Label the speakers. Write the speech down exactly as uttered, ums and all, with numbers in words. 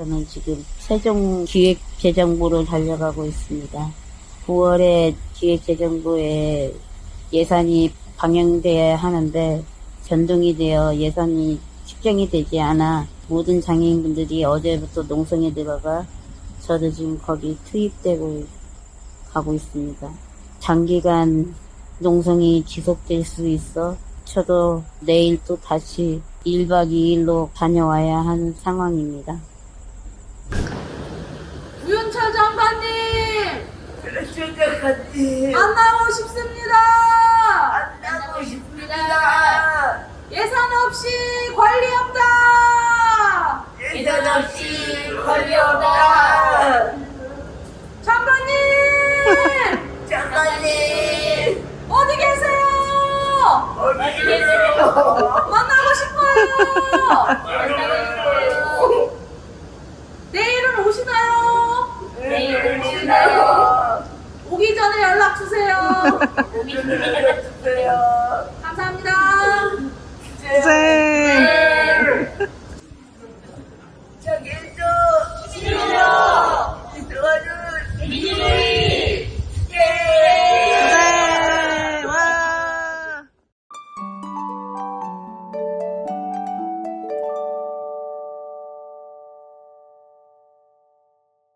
Speaker 1: 저는 지금 세종기획재정부를 달려가고 있습니다. 구월에 기획재정부에 예산이 방영돼야 하는데 변동이 되어 예산이 집행이 되지 않아 모든 장애인분들이 어제부터 농성에 들어가 저도 지금 거기 투입되고 가고 있습니다. 장기간 농성이 지속될 수 있어 저도 내일 또 다시 일 박 이 일로 다녀와야 하는 상황입니다.
Speaker 2: 구윤철 장관님
Speaker 3: 그렇죠, 장관님.
Speaker 2: 만나고 싶습니다.
Speaker 3: 만나고 싶습니다.
Speaker 2: 예산 없이 관리 없다.
Speaker 3: 예산 없이 관리 없다.
Speaker 2: 장관님
Speaker 3: 장관님,
Speaker 2: 어디 계세요?
Speaker 3: 어디 계세요?
Speaker 2: 만나고 싶어요. 내일은 오시나요?
Speaker 3: 내일 오시나요?
Speaker 2: 오기 전에 연락 주세요.
Speaker 3: 오기 전에 연락 주세요.
Speaker 2: 감사합니다.
Speaker 3: 주세요.